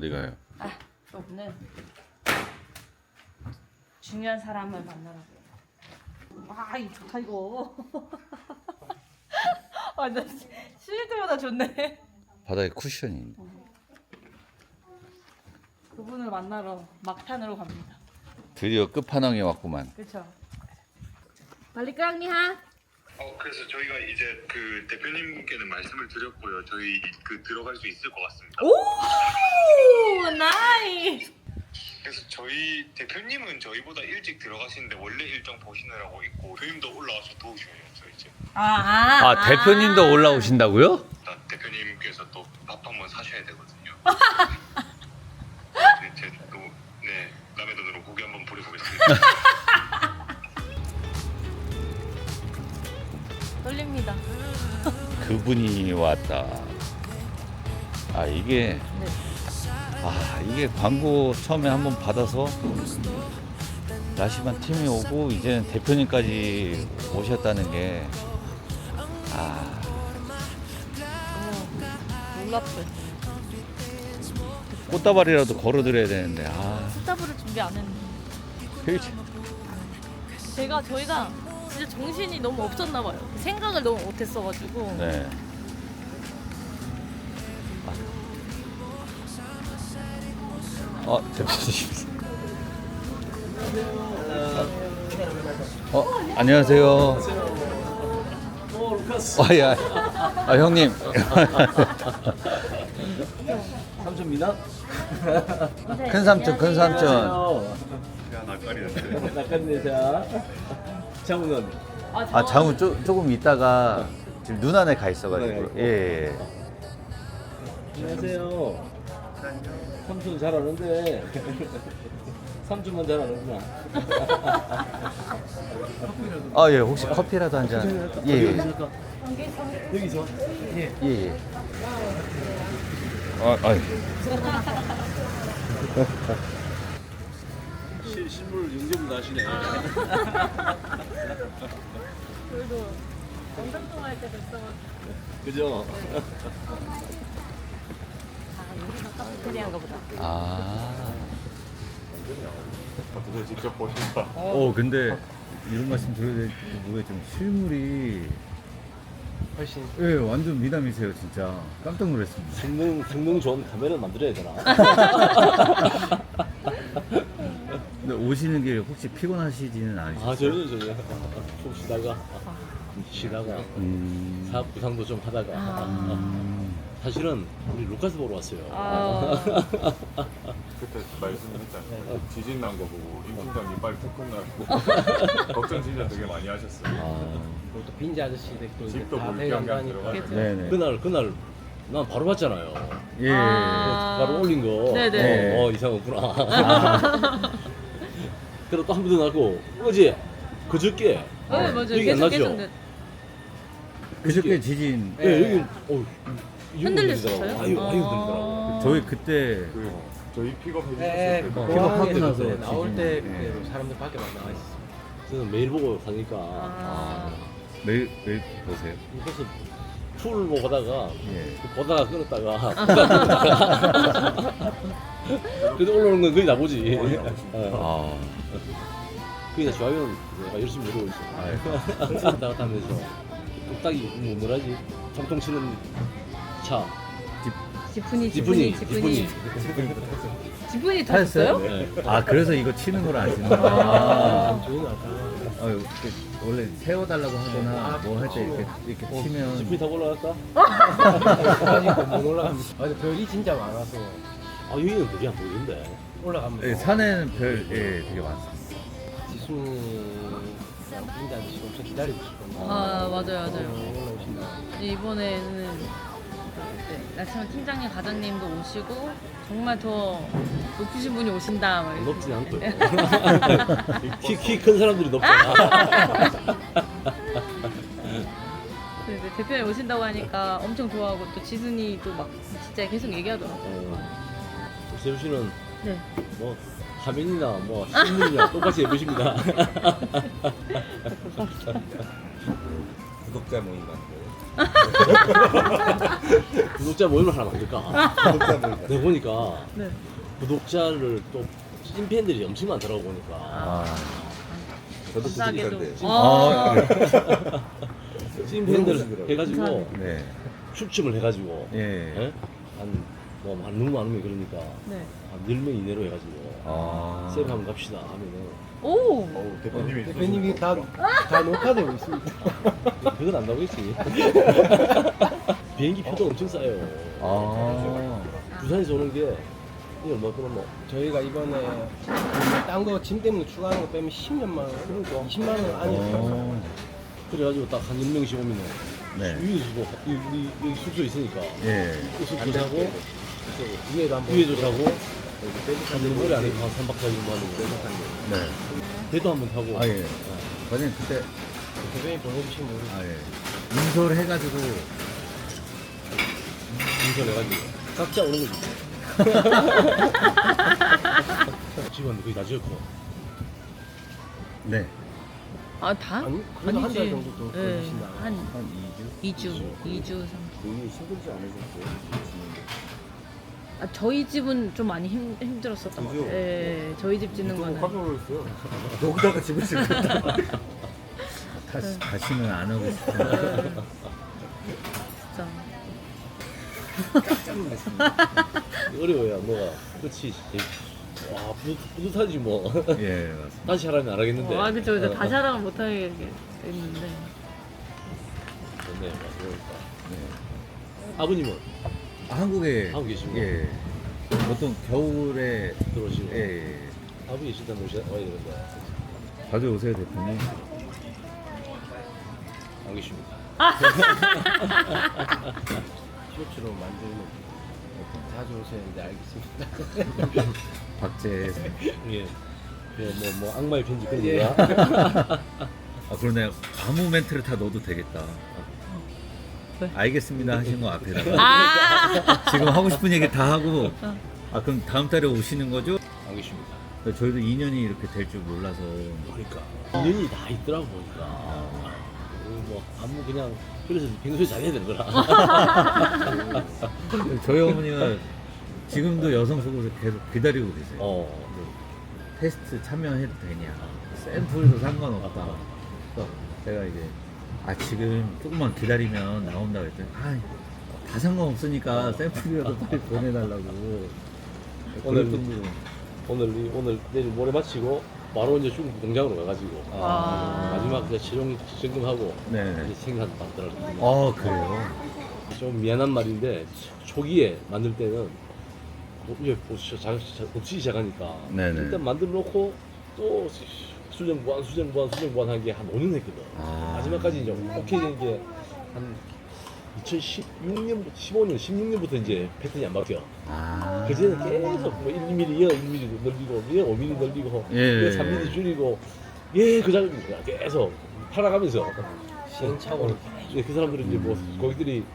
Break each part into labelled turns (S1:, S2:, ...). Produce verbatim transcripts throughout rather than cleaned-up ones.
S1: 어디 가요?
S2: 아, 오늘 중요한 사람을 만나라고요. 아, 이거 좋다 이거. 아, 나 쉴 때보다 좋네.
S1: 바닥에 쿠션이 있네.
S2: 그분을 만나러 막탄으로 갑니다.
S1: 드디어 끝판왕에 왔구만.
S2: 그렇죠. 빨리 끄랑니하.
S3: 어 그래서 저희가 이제 그 대표님께는 말씀을 드렸고요. 저희 그 들어갈 수 있을 것 같습니다.
S2: 오, 나이.
S3: 그래서 저희 대표님은 저희보다 일찍 들어가시는데 원래 일정 보시느라고 있고 대표님도 올라와서 도우셔야죠 이제.
S2: 아, 아,
S1: 아 대표님도 올라오신다고요?
S3: 나 대표님께서 또 밥 한번 사셔야 되거든요. 네, 제또네 남의 돈으로 고기 한번 부려보겠습니다.
S2: 떨립니다.
S1: 그분이 왔다. 아 이게
S2: 네.
S1: 아 이게 광고 처음에 한번 받아서 라시만 팀이 오고 이제는 대표님까지 오셨다는 게 아.
S2: 어머, 놀랍죠.
S1: 꽃다발이라도 걸어드려야 되는데 아
S2: 스타브를 준비 안 했는데.
S1: 그렇지.
S2: 제가 저희가 진짜 정신이 너무 없었나 봐요. 생각을 너무 못했어가지고.
S1: 네. 어 대표님. 어 안녕하세요. 아야. 아 형님.
S4: 삼촌입니다.
S1: 큰 삼촌 큰 삼촌.
S3: 야 낯가리는데.
S4: 낙관대사 장훈은
S1: 아 장우 쪼, 조금 있다가 지금 눈 안에 가 있어가지고 예. 예.
S4: 안녕하세요. 삼촌 잘하는데 삼촌만 잘하는구나.
S1: 아 예 혹시 커피라도 한 잔. 예. 예.
S4: 여기서 예.
S1: 예. 예. 아, 아이.
S4: 시, 실물 영접을 하시네.
S2: 그래도 영상 통화할 때 뵀어.
S4: 그죠?
S2: 아, 여기가 카페테리아인가 보다.
S1: 아.
S3: 어떻게 직접 보신다.
S1: 어 근데 이런 말씀 드려야 될지 뭐에 좀 실물이
S4: 훨씬
S1: 예 완전 미남이세요 진짜 깜짝 놀랐습니다.
S4: 성능 성능 좋은 카메라 만들어야 되나?
S1: 근데 오시는 길 혹시 피곤하시지는 않으시죠?
S4: 아 전혀 전혀. 좀 쉬다가 쉬다가
S1: 음.
S4: 사업 구상도 좀 하다가
S1: 음.
S4: 사실은 우리 루카스 보러 왔어요.
S2: 아,
S5: 그때 말씀했잖아요. 지진 난 거 보고 임 팀장님 빨리 태풍 나고 걱정 진짜 되게 많이 하셨어요.
S1: 아.
S6: 또 빈지 아저씨들 또 이제
S5: 집도
S6: 다
S5: 볼 겸 그냥
S6: 내려가니까
S5: 들어가서
S1: 네네.
S4: 그날 그날 난 바로 봤잖아요.
S1: 예.
S2: 아.
S4: 바로 올린 거.
S2: 네네.
S4: 어, 어 이상 없구나. 그리고 또 한 번 더 나고 어제 그저께
S2: 네, 맞아요.
S4: 여기 안
S2: 계속
S4: 나죠?
S2: 계속 네.
S1: 그저께 지진
S4: 예, 여기 어
S2: 흔들렸었어요?
S4: 아유 아유
S2: 아.
S4: 흔들리더라고.
S1: 저희 그때
S5: 그 저희 픽업
S6: 네,
S5: 해주셨을 때
S6: 그
S5: 그거
S1: 픽업하고
S6: 공항에
S1: 나서
S6: 그때 나올
S1: 지진.
S6: 때
S1: 예.
S6: 그때 사람들 밖에 막 나와 있었어.
S4: 저는 매일 보고 가니까
S2: 아.
S1: 매일 매일 보세요.
S4: 그래서 풀 보고 가다가
S1: 예.
S4: 보다가 끊었다가 그래도 올라오는 건 거의 나보지. 어.
S1: 아.
S4: 그게 다 좋아요는 내가 열심히 누르고 있어.
S1: 아이고.
S4: 왔다 갔다 하면서 뚝딱이 뭐 뭐라지? 정통 치는 차.
S2: 지푼이,
S4: 지분이
S2: 지푼이,
S4: 지분이.
S2: 지푼이. 지푼이
S1: 타셨어요?
S2: 타셨어요?
S4: 네.
S1: 아 그래서 이거 치는 걸 아시는구나. 아.
S6: 좋은 아까.
S1: 아유, 그 원래 세워달라고 하거나 뭐 할 때 이렇게 이렇게 치면
S4: 지분이 타고 올라갈까?
S6: 아직 못 올라갑니다. 맞아, 별이 진짜 많아서
S4: 아 여기는 그게 안 보이는데.
S6: 올라가면
S1: 예, 산에는 별 예, 되게 많습니다.
S6: 지순이 빈지 아저씨 엄청 기다리고 있었거든요.
S2: 아, 맞아요, 맞아요.
S6: 올라오신다.
S2: 이번에는 네, 라치만 팀장님, 과장님도 오시고 정말 더 높으신 분이 오신다. 막 이렇게.
S4: 높진 않고. 키키 큰 사람들이 높잖아.
S2: 네, 네, 대표님 오신다고 하니까 엄청 좋아하고 또 지순이 또 막 진짜 계속 얘기하더라고요.
S4: 어. 세우 씨는
S2: 네.
S4: 뭐 화면이나 뭐 신문이나 똑같이 예쁘십니다.
S5: 구독자 모임 같은 거.
S4: 구독자 모임을 하나 만들까? 내가 보니까
S2: 네.
S4: 구독자를 또 찐팬들이 엄청 많더라고 보니까.
S1: 아,
S7: 저도
S2: 감사하게도.
S7: 구독자인데.
S2: 아,
S4: 찐팬들 해가지고
S2: 감사합니다.
S1: 네.
S4: 추첨을 해가지고
S1: 예.
S4: 한뭐 너무 많으면 그러니까
S2: 네.
S4: 한 열 명 이내로 해가지고
S1: 아.
S4: 쌤 한번 갑시다 하면은
S2: 오.
S5: 어우, 대표님이
S6: 대표님이 다, 다 녹화되고 있습니다.
S4: 그건 안 나오겠지. 비행기 표도 엄청 싸요.
S1: 아.
S4: 부산에서 오는 게 이게 얼마 끊었노?
S6: 저희가 이번에 딴 거 짐 때문에 추가하는 거 빼면 십몇만 원,
S4: 그러니까.
S6: 이십만 원 아니에요.
S1: 어.
S4: 그래가지고 딱 한 열 명씩 오면은
S1: 네.
S4: 위에 주고 여기, 여기 숙소 있으니까
S1: 예.
S4: 그 숙소 자고
S6: 위에도 한번
S4: 위에도 자고 한 노래 안에 한 삼 박 사 일 뭐 하는 거
S1: 네.
S4: 배도 한번 타고
S1: 아, 예. 과장님, 그때,
S6: 대표님 보내주신 분
S1: 아, 예. 인솔 해가지고,
S4: 인천해가지고 각자 오는 거지. 집안도 거의 다 지었고
S1: 네.
S2: 아, 다?
S6: 아니, 그래도 한 달
S2: 아니지.
S6: 정도 더
S2: 네.
S6: 걸리신다.
S2: 한
S1: 한 이 주?
S2: 이 주, 이 주, 삼 주.
S7: 본인이 힘들지 않으셨어요?
S2: 아, 저희 집은 좀 많이 힘, 힘들었었던 것
S7: 그죠?
S2: 같아요. 예, 저희 집 짓는
S5: 유튜브
S2: 거는.
S5: 깜짝 놀랐어요.
S7: 여기다가 집을 짓겠다.
S1: 다시, 다시는 안 하고 싶은데.
S2: 진짜.
S7: 깜짝 놀랐습니다.
S4: 어려워요 뭐가 끝이 와 뿌듯, 뿌듯하지 뭐.
S1: 예, 맞습니다.
S4: 다시 하라면 안 하겠는데.
S2: 아, 그쵸, 그쵸.
S4: 어,
S2: 다시
S4: 어.
S2: 하라고 못하게 됐는데.
S4: 좋네 맞으니까.
S1: 네.
S4: 아버님은
S1: 아, 한국에.
S4: 한국 계시고.
S1: 예. 보통 겨울에.
S4: 들어오시고
S1: 예, 예.
S4: 아버지 일단 오셔 와야 되는데
S1: 자주 오세요, 대표님.
S4: 안 계십니다.
S6: 티셔츠로 만들면 자주 오셔야 되는데 알겠습니다.
S1: 박제.
S4: 예. 그뭐 뭐 악마의 편지 그런
S6: 예.
S4: 거야.
S1: 아, 그러네. 아무 멘트를 다 넣어도 되겠다.
S2: 왜?
S1: 알겠습니다 하신 거 앞에다가.
S2: 아!
S1: 지금 하고 싶은 얘기 다 하고. 아, 그럼 다음 달에 오시는 거죠?
S4: 안 계십니다.
S1: 저희도 이 년이 이렇게 될 줄 몰라서.
S4: 그러니까 인연이 다 있더라고 보니까. 어, 뭐 아무 그냥 그래서 평소에 잘해야 되는 거라.
S1: 저희 어머니가 지금도 여성 속옷을 계속 기다리고 계세요.
S4: 어.
S1: 테스트 참여해도 되냐? 샘플도 상관없다. 그래서 제가 이제 아 지금 조금만 기다리면 나온다 그랬더니 아다 상관없으니까 샘플이라도 빨리 보내달라고.
S4: 오늘
S1: 그럴 정도로.
S4: 오늘 이- 오늘 내일 모레 마치고 바로 이제 중국 공장으로 가가지고
S2: 아.
S4: 마지막 그 실용 점검하고
S1: 네.
S4: 이제 생산 받더라고요.
S1: 아 그래요?
S4: 좀 미안한 말인데 초기에 만들 때는 뭐 이제 없이 시작하니까
S1: 네네.
S4: 일단 만들어 놓고 또 수정 보완 수정 보완 수정 보완 한 게 한 오 년 했거든.
S1: 아.
S4: 마지막까지 이제 오케이 된 게 한 이천십육 년, 십오 년, 십육 년부터 이제 패턴이 안 바뀌어.
S1: 아.
S4: 그전에는 계속 뭐 일 밀리미터, 일 밀리미터 늘리고, 얘 오 밀리미터 늘리고,
S1: 예.
S4: 얘 삼 밀리미터 줄이고, 얘 그 작업입니다. 계속 팔아가면서.
S6: 시행착오를
S4: 예, 그 사람들은 이제 뭐
S1: 음.
S4: 고객들이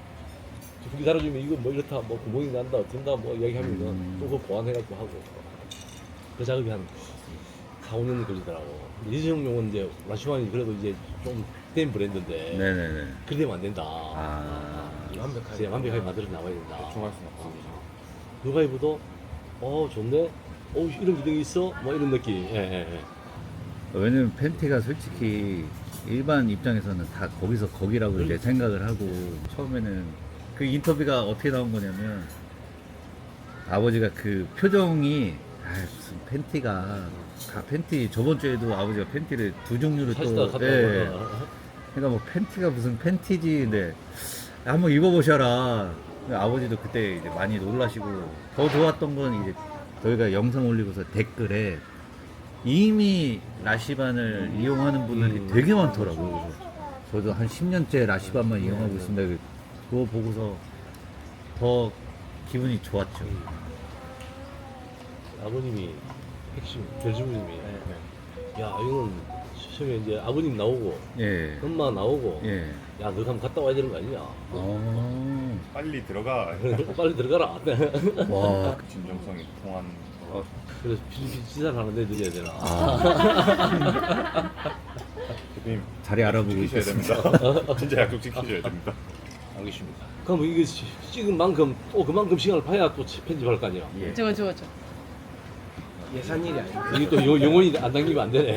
S4: 분기 달아주면 이거 뭐 이렇다, 뭐 구멍이 난다, 어쩐다, 뭐 이야기하면은
S1: 음.
S4: 또 그거 보완해갖고 하고. 그 작업이 한 사, 오 년이 걸리더라고. 이재용용은 이제 라시완이 그래도 이제 좀 된 브랜드인데.
S1: 네네네.
S4: 그러면 안 된다.
S1: 아.
S6: 완벽하게
S4: 이제 완벽하게 만들어 나와야 된다.
S5: 중할 수는 없습니다.
S4: 누가 입어도 어 좋네, 어 이런 기능이 있어, 뭐 이런 느낌. 예, 예, 예.
S1: 왜냐면 팬티가 솔직히 일반 입장에서는 다 거기서 거기라고 이제 생각을 하고 처음에는 그 인터뷰가 어떻게 나온 거냐면 아버지가 그 표정이 아 무슨 팬티가 가- 팬티 저번 주에도 아버지가 팬티를 두 종류를
S4: 사시다가
S1: 또
S4: 갔다
S1: 예.
S4: 오고.
S1: 그러니까 뭐 팬티가 무슨 팬티지 근데 한번 입어보셔라. 근데 아버지도 그때 이제 많이 놀라시고 더 좋았던 건 이제 저희가 영상 올리고서 댓글에 이미 라시반을 이용하는 분들이
S4: 음.
S1: 되게 많더라고요. 그래서 저도 한 십 년째 라시반만 이용하고 있습니다. 그거 보고서 더 기분이 좋았죠.
S4: 아버님이 핵심 결주부님이 야 이건 처음에 이제 아버님 나오고
S1: 예.
S4: 엄마 나오고
S1: 예.
S4: 야 너 한번 갔다 와야 되는 거 아니냐.
S1: 어.
S5: 빨리 들어가.
S4: 빨리 들어가라.
S1: 와.
S5: 진정성이 통한.
S4: 그래서 필리핀 지사를 하나 내드려야 되나.
S1: 아.
S5: 대표님
S1: 자리 알아보고
S5: 지키셔야
S1: 있겠습니다.
S5: 됩니다. 진짜 약속 지키셔야 됩니다.
S4: 알겠습니다. 그럼 이거 시- 찍은 만큼 또 그만큼 시간을 봐야 또 편집할 거 아니야.
S1: 예.
S2: 저거 저거 저.
S6: 예산 일이 아니고.
S4: 이게 또 영- 영원히 안 당기면 안 되네.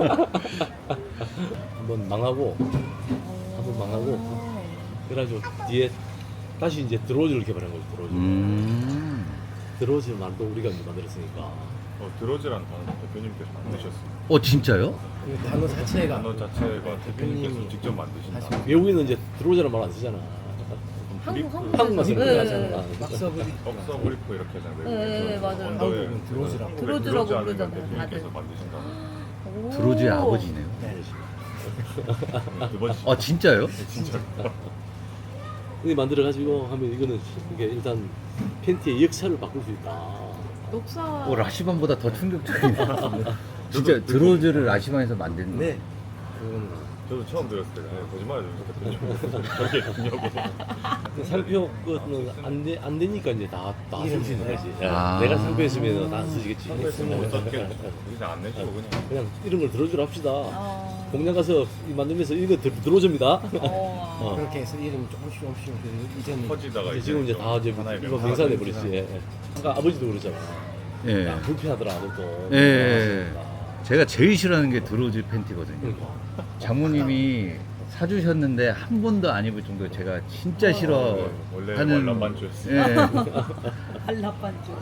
S4: 한번 망하고 한번 망하고 그래가지고 뒤에 다시 이제 드로즈를 개발한 거죠. 드로즈.
S1: 음.
S4: 드로즈 말도 우리가 이제 만들었으니까.
S5: 어, 드로즈란 단어 대표님께서 만드셨어요.
S1: 어 진짜요?
S6: 그 단어 자체가
S5: 단어 자체가 대표님께서
S6: 대표님이
S5: 직접 만드신
S6: 하신
S5: 단어.
S4: 외국인은 이제 드로즈라는 말 안 쓰잖아.
S2: 한국
S4: 한국만 쓰는
S2: 네,
S4: 거야.
S2: 네,
S4: 하잖아.
S6: 막서브리
S5: 억서 브리프 이렇게 하잖아요.
S2: 네, 네, 맞아요.
S6: 한국은 드로즈라고.
S2: 드로즈라고
S5: 드로즈 하는 건
S2: 부르잖아요,
S5: 대표님께서
S2: 다들.
S5: 만드신 단어.
S2: 오.
S1: 드로즈의 아버지네요.
S6: 네.
S5: 두 번째.
S1: 아 진짜요?
S5: 진짜.
S4: 이 만들어가지고 하면 이거는 이게 일단 팬티의 역사를 바꿀 수 있다.
S2: 녹사.
S1: 어 라시반보다 더 충격적이네. 진짜 드로즈를 라시반에서 만든 거.
S6: 네.
S4: 그건
S5: 저도 처음 들었을 때 아, 거짓말을 좀 저게 중요하고.
S4: 상표 거는 안, 되, 안 되니까 이제 다 다 쓸 수 있는 거지.
S1: 아.
S4: 내가 상표했으면 다 쓰시겠지.
S5: 상표했으면 못 썼겠죠. 그냥 안 내시고 그냥.
S4: 그냥 이런 걸 들어주라 합시다.
S2: 어.
S4: 공장 가서 이 만들면서 이거 들, 들어줍니다.
S2: 어.
S4: 어.
S6: 그렇게 해서 이름이 조금씩 조금씩 그 이전에
S5: 퍼지다가
S4: 이제 지금 이제 다 이제
S5: 하나의
S4: 이거
S5: 명사가
S4: 명사
S5: 되니까.
S4: 돼버렸지. 예. 아까 아버지도 그러잖아.
S1: 예.
S4: 야, 불편하더라 아들도.
S1: 예, 예. 제가 제일 싫어하는 게 드로즈 팬티거든요.
S4: 그러니까.
S1: 장모님이 사주셨는데 한 번도 안 입을 정도로 제가 진짜
S5: 원래
S1: 싫어하는.
S5: 월남반주였어요.
S1: 예.
S2: 한라반주.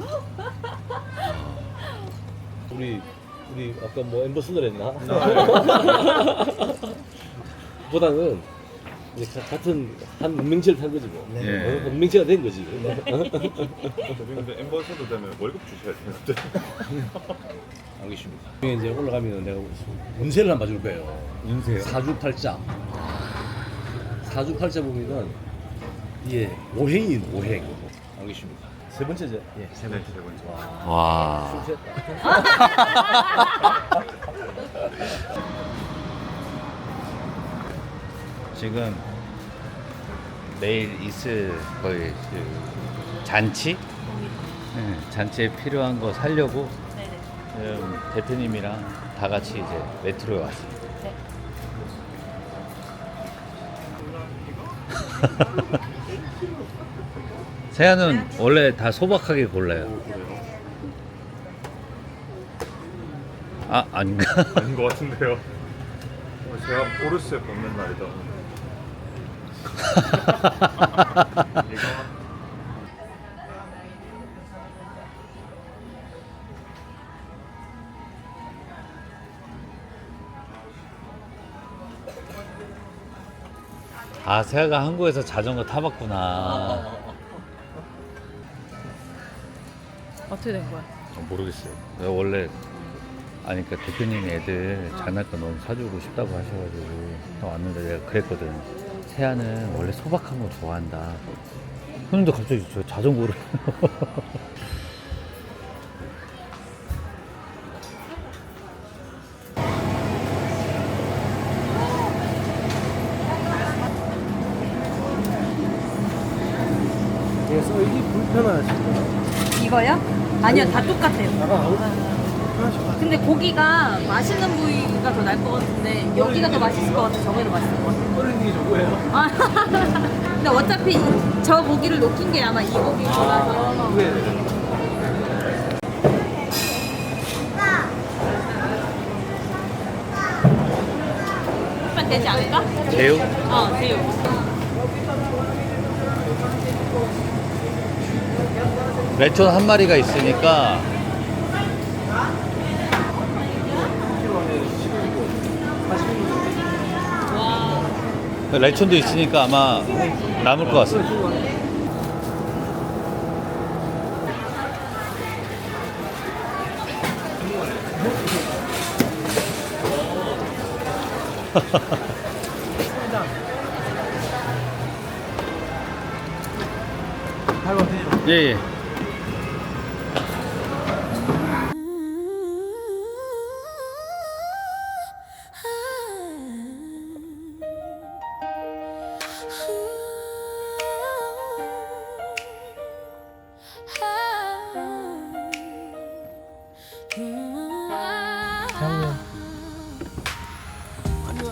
S4: 우리 우리 아까 뭐 엠버서더 했나? 보다는 이제 가- 같은 한 운명체를 탄 거지 뭐.
S6: 네.
S1: 예.
S4: 어, 운명체가 된 거지.
S5: 근데 엠버서더 되면 월급 주셔야 되는데.
S4: 알겠습니다. 여기 이제 올라가면 내가 운세를 한번 봐줄 거예요.
S1: 운세요?
S4: 사주팔자. 사주팔자 보면은 이게 오행이 오행. 알겠습니다. 세 번째죠? 예, 세
S5: 네,
S4: 번째.
S5: 세 번째.
S1: 와.
S4: 술 취했다.
S1: 지금 내일 있을 거의 그 잔치? 네, 잔치에 필요한 거 사려고 지금 대표님이랑 다 같이 이제 메트로에 왔습니다.
S2: 네.
S1: 세아는 원래 다 소박하게 골라요. 아 아닌가?
S5: 아닌 것 같은데요. 오늘 제가 포르쉐 벗는 날이다. 이거
S1: 아 세아가 한국에서 자전거 타봤구나.
S2: 어떻게 된 거야?
S1: 어, 모르겠어요. 내가 원래 아니 그러니까 대표님이 애들 장난감 너무 사주고 싶다고 하셔가지고 또 왔는데 내가 그랬거든. 세아는 원래 소박한 거 좋아한다. 근데 갑자기 저 자전거를
S6: 그래서 이게 불편하시죠?
S8: 이거요? 아니요, 다 똑같아요.
S6: 나가 불편하시죠?
S8: 근데 고기가 맛있는 부위가 더 나을 것 같은데 여기가 더 맛있을 것 같아. 저게 더 맛있을 것 같아.
S6: 어른이 누구예요?
S8: 아, 근데 어차피 저 고기를 놓긴 게 아마 이 고기라서. 오빠 되지 않을까?
S1: 제육?
S8: 어, 새우.
S1: 레촌 한 마리가 있으니까 레촌도 있으니까 아마 남을 것 같습니다. 예, 예.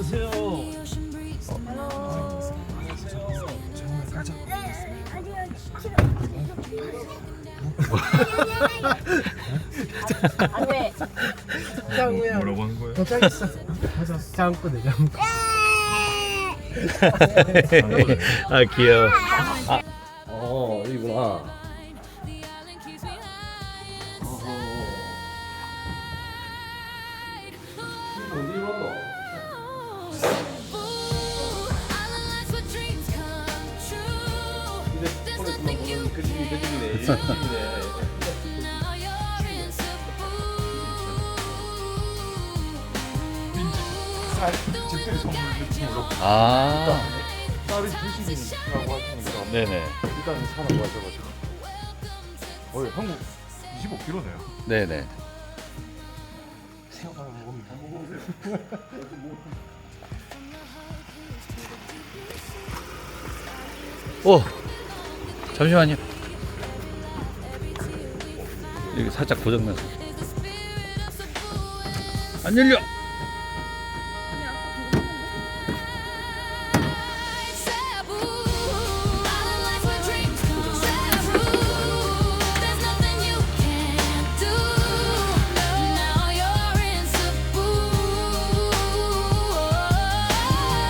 S4: 안녕하세요.
S8: 안돼.
S6: 짱구야.
S5: 뭐라고 하는 거예요?
S6: 도착했어. 가자. 짱구네 짱구.
S1: 아 귀여워.
S4: 어 여기구나. 어디로 왔노? 휴대폰에서만 보는 그 집이 그 집이네. 이 집이네.
S5: 집들이 선물 느낌으로
S1: 아
S5: 딸이 주식이라고 하시니까
S1: 네네.
S5: 일단 사라고 하셔가지고 어 한국 이십오 킬로네요.
S1: 네네. 오 잠시만요. 여기 살짝 고장났어. 안 열려.